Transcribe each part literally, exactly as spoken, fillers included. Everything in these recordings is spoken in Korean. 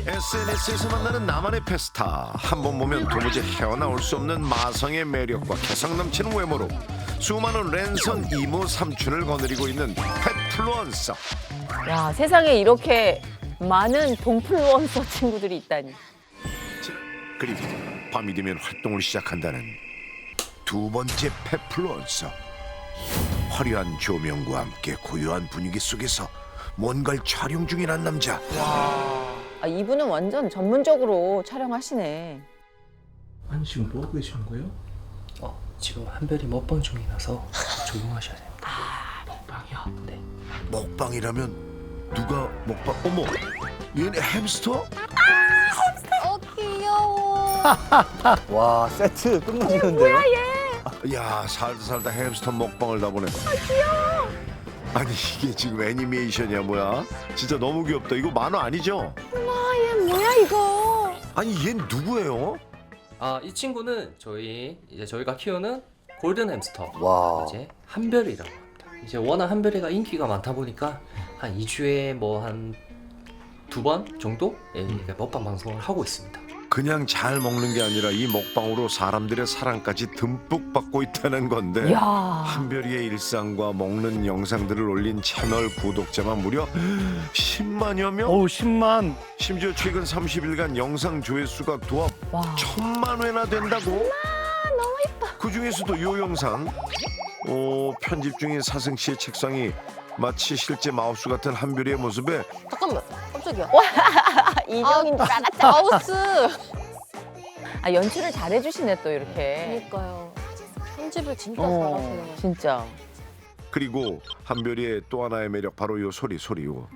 에스엔에스에서 만나는 나만의 페스타. 한 번 보면 도무지 헤어나올 수 없는 마성의 매력과 개성 넘치는 외모로 수많은 랜선 이모 삼촌을 거느리고 있는 펫플루언서. 야, 세상에 이렇게 많은 동플루언서 친구들이 있다니. 그리고 밤이 되면 활동을 시작한다는 두 번째 펫플루언서. 화려한 조명과 함께 고요한 분위기 속에서 뭔가를 촬영 중이란 남자. 아, 이분은 완전 전문적으로 촬영하시네. 아니 지금 뭐 하고 계시는 거예요? 어, 지금 한별이 먹방 중이라서 조용하셔야 됩니다. 먹방이요? 네. 먹방이라면 누가 먹방? 어머, 얘네 햄스터? 어 귀여워. 와 세트 끝내주는데요? 야, 살다 살다 햄스터 먹방을 다 보네. 아, 귀여워. 아니 이게 지금 애니메이션이야 뭐야? 진짜 너무 귀엽다. 이거 만화 아니죠? 뭐야 이거? 아니 얘 누구예요? 아, 이 친구는 저희 이제 저희가 키우는 골든 햄스터. 와 이제 한별이라고 합니다. 이제 워낙 한별이가 인기가 많다 보니까 한 이 주에 뭐 한 두 번 정도 예, 이렇게 먹방 방송을 하고 있습니다. 그냥 잘 먹는 게 아니라 이 먹방으로 사람들의 사랑까지 듬뿍 받고 있다는 건데. 이야. 한별이의 일상과 먹는 영상들을 올린 채널 구독자만 무려 십만여 명? 어우 십만. 심지어 최근 삼십 일간 영상 조회수가 도합 와. 천만 회나 된다고? 너무 예뻐. 그 중에서도 요 영상 어, 편집 중인 사승 씨의 책상이 마치 실제 마우스 같은 한별이의 모습에 잠깐만 깜짝이야. 이정인 줄 알았죠. 마우스. 아, 연출을 잘해주시네 또 이렇게. 그러니까요. 편집을 진짜 어, 잘하시네요. 진짜. 그리고 한별이의 또 하나의 매력 바로 요 소리 소리 요.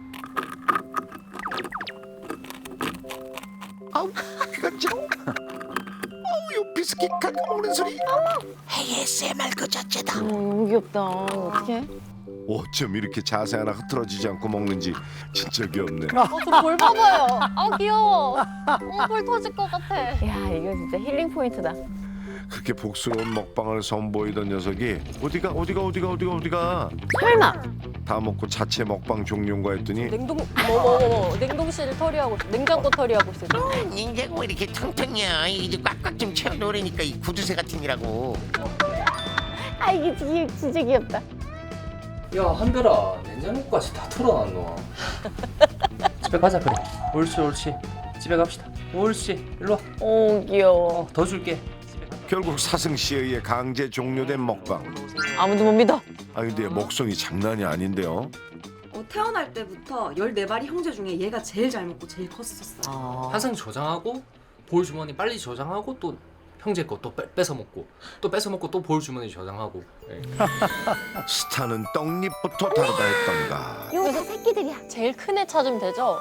아우 귀가 짱. 아우 요 비스킷 갈아 먹는 소리. 에이에스엠알 그 자체다. 어, 너무 귀엽다. 어떡해? 어쩜 이렇게 자세 하나 흐트러지지 않고 먹는지 진짜 귀엽네. 어저볼 봐봐요. 아 귀여워. 어볼 터질 것 같아. 야, 이거 진짜 힐링 포인트다. 그렇게 복스러운 먹방을 선보이던 녀석이 어디가 어디가 어디가 어디가 어디가 설마. 다 먹고 자체 먹방 종료인가 했더니 냉동 뭐뭐뭐 냉동실 털이하고 냉장고 털이하고 있어. 냉장고 이렇게 텅텅이야. 이제 꽉꽉 좀 채워 놓으니까 이 구두쇠 같은이라고. 아, 이게 진짜, 진짜 귀엽다. 야, 한별아, 냉장고까지 다 털어놨노. 집에 가자 그래. 옳지 옳지. 집에 갑시다. 옳지. 일로 와. 오, 귀여워. 더 줄게. 결국 사승 씨에 의해 강제 종료된 먹방. 아무도 못 믿어. 아 근데 먹성이 장난이 아닌데요. 어, 태어날 때부터 열네 마리 형제 중에 얘가 제일 잘 먹고 제일 컸었어. 아. 항상 저장하고 볼 주머니 빨리 저장하고 또 형제 거 또 뺏어 먹고 또 뺏어 먹고 또 볼 주머니 저장하고. 예. 스타는 떡잎부터 다르다 했던가. 여기서 새끼들이야. 제일 큰 애 찾으면 되죠?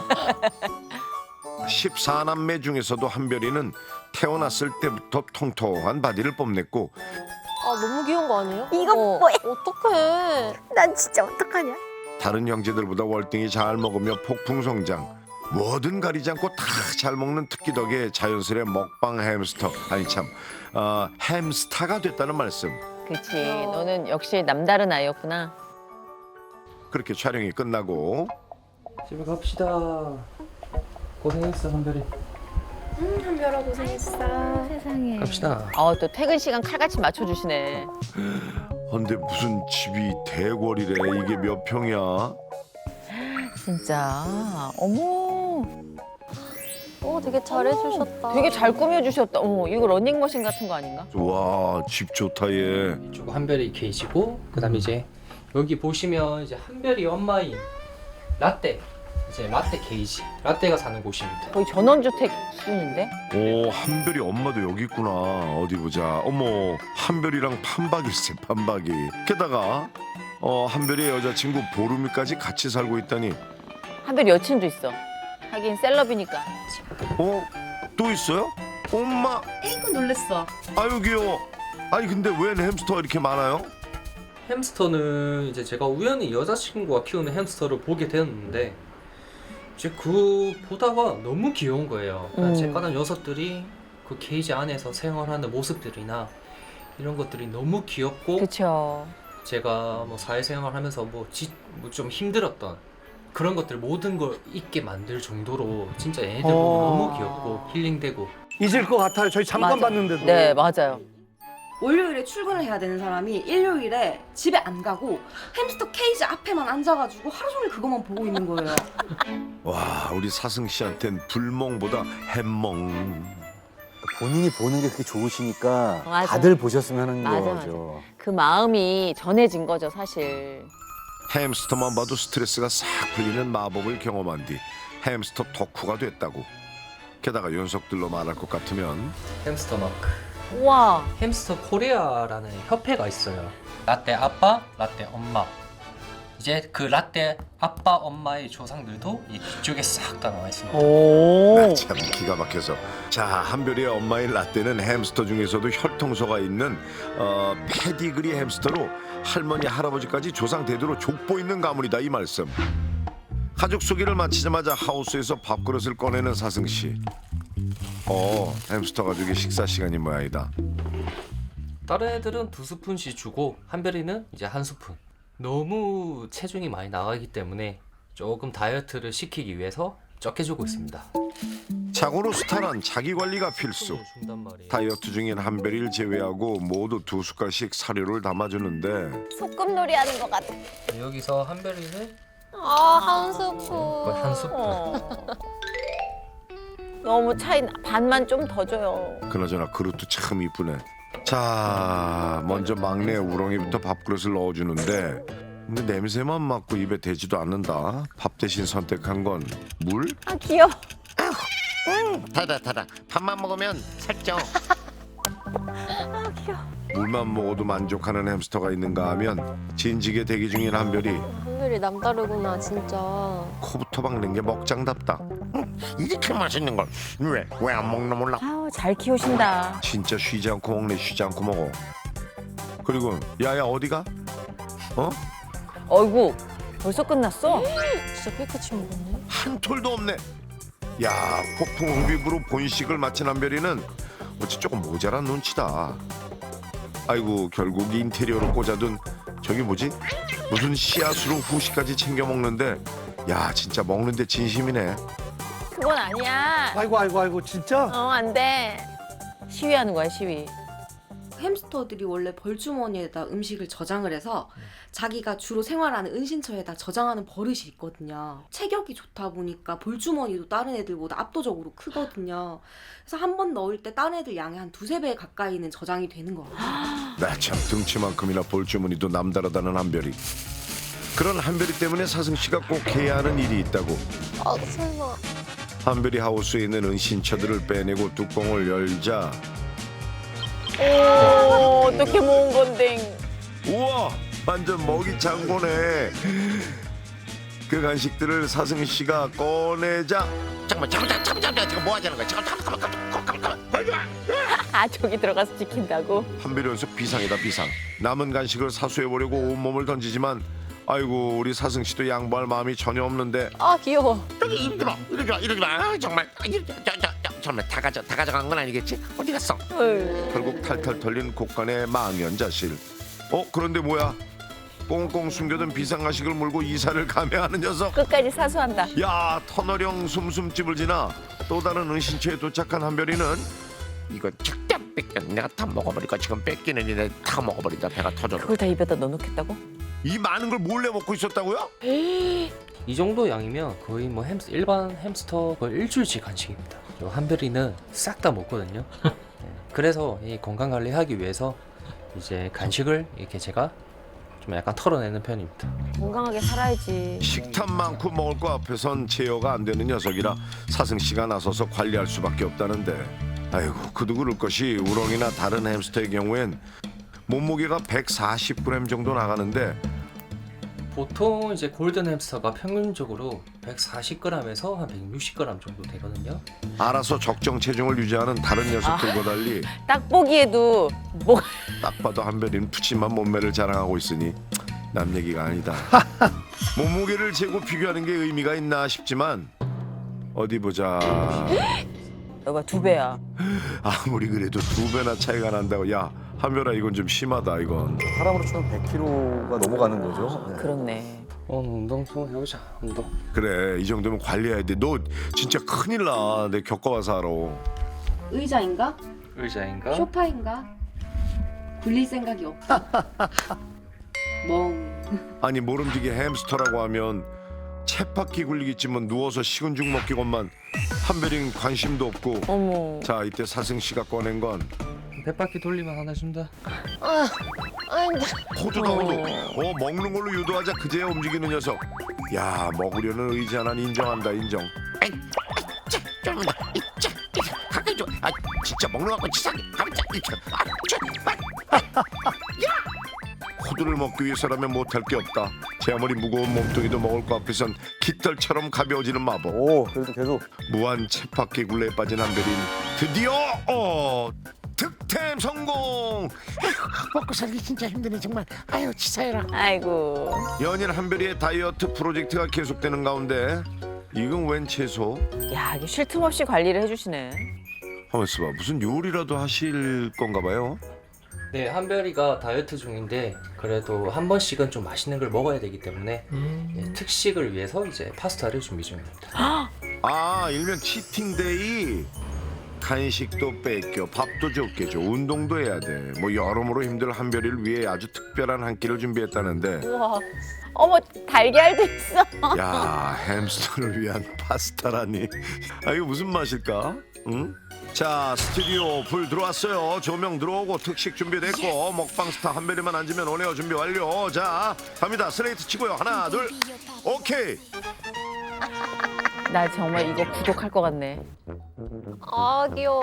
십사 남매 중에서도 한별이는 태어났을 때부터 통통한 바디를 뽐냈고 아 너무 귀여운 거 아니에요? 이거 어, 뭐야? 어떡해. 난 진짜 어떡하냐? 다른 형제들보다 월등히 잘 먹으며 폭풍 성장. 뭐든 가리지 않고 다 잘 먹는 특기 덕에 자연스레 먹방 햄스터 아니 참 어, 햄스타가 됐다는 말씀. 그치. 너는 역시 남다른 아이였구나. 그렇게 촬영이 끝나고 집에 갑시다. 고생했어 한별이. 음 한별아 고생했어. 세상에. 갑시다. 어, 또 퇴근 시간 칼같이 맞춰주시네. 근데 무슨 집이 대궐이래. 이게 몇 평이야? 진짜. 어머. 어 되게 잘해주셨다. 되게 잘 꾸며주셨다. 어머, 이거 러닝머신 같은 거 아닌가? 와, 집 좋다 얘. 이쪽 한별이 케이지고 그다음에 이제 여기 보시면 이제 한별이 엄마인 라떼 이제 라떼 케이지 라떼가 사는 곳입니다. 거의 전원주택 수준인데? 오, 한별이 엄마도 여기 있구나. 어디 보자. 어머, 한별이랑 판박일세, 판박이. 게다가 어, 한별이의 여자친구 보름이까지 같이 살고 있다니. 한별 여친도 있어. 하긴 셀럽이니까. 어? 또 있어요? 엄마, 에이구 놀랬어. 아유 귀여워. 아니 근데 웬 햄스터가 이렇게 많아요? 햄스터는 이제 제가 우연히 여자친구가 키우는 햄스터를 보게 되었는데 이제 그 보다가 너무 귀여운 거예요. 음. 제 까는 녀석들이 그 케이지 안에서 생활하는 모습들이나 이런 것들이 너무 귀엽고 그쵸. 제가 뭐 사회생활하면서 뭐 좀 힘들었던 그런 것들 모든 걸 잊게 만들 정도로 진짜 얘네들 어. 너무 귀엽고 힐링되고. 잊을 것 같아요. 저희 잠깐 맞아. 봤는데도. 네, 맞아요. 월요일에 출근을 해야 되는 사람이 일요일에 집에 안 가고 햄스터 케이지 앞에만 앉아가지고 하루 종일 그것만 보고 있는 거예요. 와, 우리 사승 씨한텐 불멍보다 햄멍. 본인이 보는 게 그렇게 좋으시니까 맞아. 다들 보셨으면 하는 맞아, 거죠. 그 마음이 전해진 거죠, 사실. 햄스터만 봐도 스트레스가 싹 풀리는 마법을 경험한 뒤 햄스터 덕후가 됐다고. 게다가 연속들로 말할 것 같으면 햄스터 마크. 우와. 햄스터 코리아라는 협회가 있어요. 라떼 아빠, 라떼 엄마. 이제 그 라떼 아빠, 엄마의 조상들도 이 뒤쪽에 싹 다 나와 있습니다. 오. 아, 참 기가 막혀서. 자, 한별이의 엄마인 라떼는 햄스터 중에서도 혈통소가 있는 어, 패디그리 햄스터로 할머니 할아버지까지 조상 대대로 족보 있는 가문이다 이 말씀. 가족 소개를 마치자마자 하우스에서 밥그릇을 꺼내는 사승 씨. 어, 햄스터 가족의 식사 시간이 모양이다. 다른 애들은 두 스푼씩 주고 한별이는 이제 한 스푼. 너무 체중이 많이 나가기 때문에 조금 다이어트를 시키기 위해서 적게 주고 있습니다. 자고로 스타란 자기 관리가 필수. 준단 말이에요. 다이어트 중인 한별이를 제외하고 모두 두 숟갈씩 사료를 담아주는데 소꿉놀이 하는 것 같아. 여기서 한별이는 아, 한 스푼. 거의 한 스푼. 어. 너무 차이 나. 반만 좀 더 줘요. 그나저나 그릇도 참 이쁘네. 자, 먼저 막내 우렁이부터 밥그릇을 넣어주는데 근데 냄새만 맡고 입에 대지도 않는다. 밥 대신 선택한 건 물? 아, 귀여워. 달다 달다. 밥만 먹으면 살쪄. 아, 귀여워. 물만 먹어도 만족하는 햄스터가 있는가 하면 진지게 대기 중인 한별이 한별이 남다르구나, 진짜. 코부터 박는 게 먹장답다. 이렇게 맛있는 걸 왜 왜 안 먹나 몰라. 아우, 잘 키우신다. 진짜 쉬지 않고 먹네. 쉬지 않고 먹어. 그리고 야야 어디가? 어? 어이구, 벌써 끝났어? 진짜 깨끗이 먹었네. 한 톨도 없네. 야, 폭풍 흡입으로 본식을 마친 한별이는 어찌 조금 모자란 눈치다. 아이고, 결국 인테리어로 꽂아둔 저기 뭐지? 무슨 씨앗으로 후식까지 챙겨 먹는데 야, 진짜 먹는데 진심이네. 그건 아니야. 아이고 아이고 아이고 진짜. 어, 안 돼. 시위하는 거야, 시위. 햄스터들이 원래 벌주머니에다 음식을 저장을 해서 자기가 주로 생활하는 은신처에다 저장하는 버릇이 있거든요. 체격이 좋다 보니까 벌주머니도 다른 애들보다 압도적으로 크거든요. 그래서 한 번 넣을 때 다른 애들 양의 한 두세 배 가까이는 저장이 되는 것 같아요. 나 참 등치만큼이나 볼주머니도 남다르다는 한별이. 그런 한별이 때문에 사승 씨가 꼭 해야 하는 일이 있다고. 아, 설마. 한별이 하우스에 있는 은신처들을 빼내고 뚜껑을 열자 오, 어떻게 모은 건데. 우와, 완전 먹이 창고네. 그 간식들을 사승 씨가 꺼내자 잠깐만 잠깐만 잠깐만 잠깐만 지금 뭐 하자는 거야. 잠깐만 잠깐만 잠깐만 잠깐만 잠깐만. 아, 저기 들어가서 지킨다고? 한별이 연속 비상이다 비상. 남은 간식을 사수해 보려고 온몸을 던지지만 아이고, 우리 사승 씨도 양보할 마음이 전혀 없는데 아, 귀여워. 여기 이러지 마 이러지 마 이러지 마. 아, 정말 아, 이러- 저, 저, 저, 정말 다 가져 다 가져간 건 아니겠지? 어디 갔어? 어휴. 결국 탈탈 털린 곳간의 망연자실. 어, 그런데 뭐야? 꽁꽁 숨겨둔 비상간식을 물고 이사를 감행하는 녀석. 끝까지 사수한다. 야, 터널형 숨숨집을 지나 또 다른 은신처에 도착한 한별이는 이거 절대 안 뺏겨. 내가 다 먹어버릴 거야. 지금 뺏기는 일에 다 먹어버린다. 배가 터져. 그걸 다 입에다 넣어놓겠다고? 이 많은 걸 몰래 먹고 있었다고요? 이 정도 양이면 거의 뭐 햄스 일반 햄스터 거의 일주일치 간식입니다. 요 한별이는 싹 다 먹거든요. 네, 그래서 이 건강 관리하기 위해서 이제 간식을 이렇게 제가 좀 약간 털어내는 편입니다. 건강하게 살아야지. 식탐 많고 먹을 거 앞에선 제어가 안 되는 녀석이라 사승 씨가 나서서 관리할 수밖에 없다는데 아이고, 그도 그럴 것이 우렁이나 다른 햄스터의 경우엔 몸무게가 백사십 그램 정도 나가는데 보통 이제 골든 햄스터가 평균적으로 백사십 그램에서 한 백육십 그램 정도 되거든요. 알아서 적정 체중을 유지하는 다른 녀석들과 달리 딱 보기에도 뭐 딱 봐도 한별이는 푸짐한 몸매를 자랑하고 있으니 남 얘기가 아니다. 몸무게를 재고 비교하는 게 의미가 있나 싶지만 어디 보자. 너가 두 배야. 아무리 그래도 두 배나 차이가 난다고. 야, 한별아, 이건 좀 심하다 이건. 사람으로 치면 백 킬로그램가 넘어가는 거죠. 네. 그렇네. 오늘 운동 좀 해보자. 운동. 그래 이 정도면 관리해야 돼. 너 진짜 큰일 나. 내 겪어봐서 알아. 의자인가? 의자인가? 소파인가? 굴릴 생각이 없다. 멍. 아니 모름지기 햄스터라고 하면 쳇바퀴 굴리기쯤은 누워서 식은 죽 먹기건만 한별이는 관심도 없고. 어머. 자 이때 사승 씨가 꺼낸 건 백 바퀴 돌리면 하나 준다. 아, 아니, 호두다 호두. 어 먹는 걸로 유도하자 그제야 움직이는 녀석. 야 먹으려는 의지 하나는 인정한다 인정. 아이, 자, 좀 더, 이, 자, 이, 가까이 좀. 아, 진짜 먹는 거 같고 치사하게. 가만 자, 이, 자, 아, 자, 아, 호두를 먹기 위해서라면 못할 게 없다. 제 아무리 무거운 몸뚱이도 먹을 거 앞에선 깃털처럼 가벼워지는 마법. 오, 그래도 계속. 무한 쳇바퀴 굴레에 빠진 한별인 드디어 어 득템 성공. 먹고 살기 진짜 힘드네 정말. 아유 치사해라. 아이고. 연일 한별이의 다이어트 프로젝트가 계속되는 가운데 이건 웬 채소? 야, 이게 쉴 틈 없이 관리를 해주시네. 하면서 봐 무슨 요리라도 하실 건가 봐요. 네, 한별이가 다이어트 중인데 그래도 한 번씩은 좀 맛있는 걸 먹어야 되기 때문에 예, 특식을 위해서 이제 파스타를 준비 중입니다. 아 일명 치팅데이. 간식도 뺏겨 밥도 적게 줘 운동도 해야 돼. 뭐 여러모로 힘들 한별이를 위해 아주 특별한 한 끼를 준비했다는데. 우와. 어머, 달걀도 있어. 야 햄스터를 위한 파스타라니. 아 이거 무슨 맛일까? 응? 자 스튜디오 불 들어왔어요. 조명 들어오고 특식 준비됐고 먹방 스타 한별이만 앉으면 오네요. 준비 완료. 자 갑니다. 스레이트 치고요. 하나 둘 오케이. 나 정말 이거 구독할 것 같네. 아, 귀여워.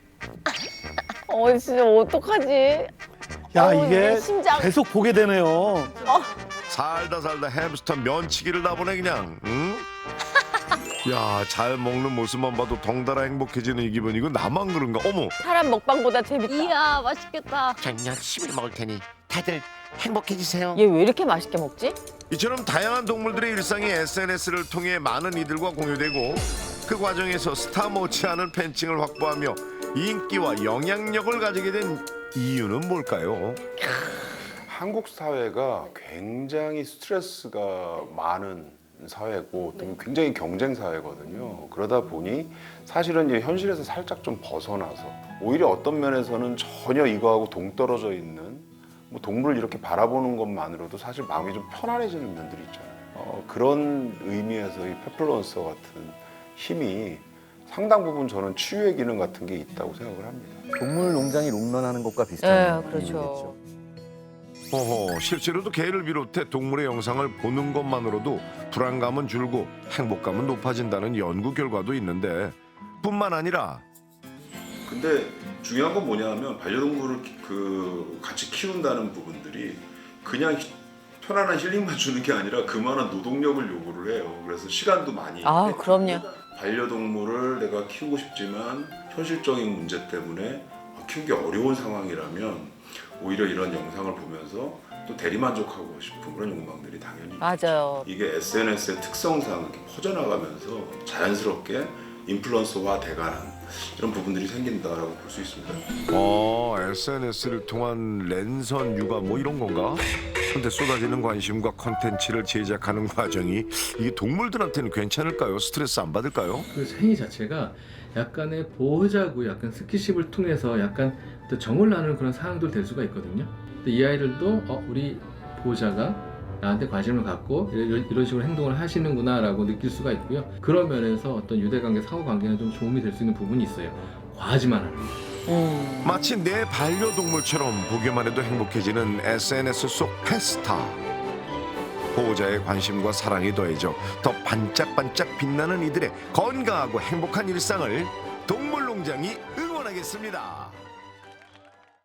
어, 진짜 어떡하지? 야, 어우, 이게 내 심장. 계속 보게 되네요. 살다 살다 햄스터 면치기를 다 보네 그냥. 응? 야잘 먹는 모습만 봐도 덩달아 행복해지는 이 기분. 이거 나만 그런가? 어머. 사람 먹방보다 재밌다. 이야, 맛있겠다. 전 열심히 먹을 테니 다들 행복해지세요. 얘 왜 이렇게 맛있게 먹지? 이처럼 다양한 동물들의 일상이 에스엔에스를 통해 많은 이들과 공유되고 그 과정에서 스타 못지않은 팬층을 확보하며 인기와 영향력을 가지게 된 이유는 뭘까요? 한국 사회가 굉장히 스트레스가 많은 사회고 또 굉장히 경쟁 사회거든요. 그러다 보니 사실은 이제 현실에서 살짝 좀 벗어나서 오히려 어떤 면에서는 전혀 이거하고 동떨어져 있는 뭐 동물을 이렇게 바라보는 것만으로도 사실 마음이 좀 편안해지는 면들이 있잖아요. 어, 그런 의미에서 이 페플런서 같은 힘이 상당 부분 저는 치유의 기능 같은 게 있다고 생각을 합니다. 동물 농장이 롱런하는 것과 비슷한 네, 그렇죠. 의미겠죠. 어허, 실제로도 개를 비롯해 동물의 영상을 보는 것만으로도 불안감은 줄고 행복감은 높아진다는 연구 결과도 있는데 뿐만 아니라 근데 중요한 건 뭐냐면 반려동물을 키- 그 같이 키운다는 부분들이 그냥 히- 편안한 힐링만 주는 게 아니라 그만한 노동력을 요구를 해요. 그래서 시간도 많이. 아, 뺏기고 그럼요. 반려동물을 내가 키우고 싶지만 현실적인 문제 때문에 키우기 어려운 상황이라면 오히려 이런 영상을 보면서 또 대리만족하고 싶은 그런 욕망들이 당연히 맞아요. 이게 에스엔에스의 특성상 이렇게 퍼져나가면서 자연스럽게 인플루언서화 돼가는 이런 부분들이 생긴다라고 볼 수 있습니다. 어, 에스엔에스를 통한 랜선 육아 뭐 이런 건가? 근데 쏟아지는 관심과 컨텐츠를 제작하는 과정이 이게 동물들한테는 괜찮을까요? 스트레스 안 받을까요? 그 행위 자체가 약간의 보호자고 약간 스킨십을 통해서 약간 또 정을 나누는 그런 상황도 될 수가 있거든요. 근데 이 아이들도 어, 우리 보호자가 나한테 관심을 갖고 이런, 이런 식으로 행동을 하시는구나라고 느낄 수가 있고요. 그런 면에서 어떤 유대관계, 사후관계는 좀 도움이 될 수 있는 부분이 있어요. 과하지만 않은. 음. 마치 내 반려동물처럼 보기만 해도 행복해지는 에스엔에스 속 페스타. 보호자의 관심과 사랑이 더해져 더 반짝반짝 빛나는 이들의 건강하고 행복한 일상을 동물농장이 응원하겠습니다.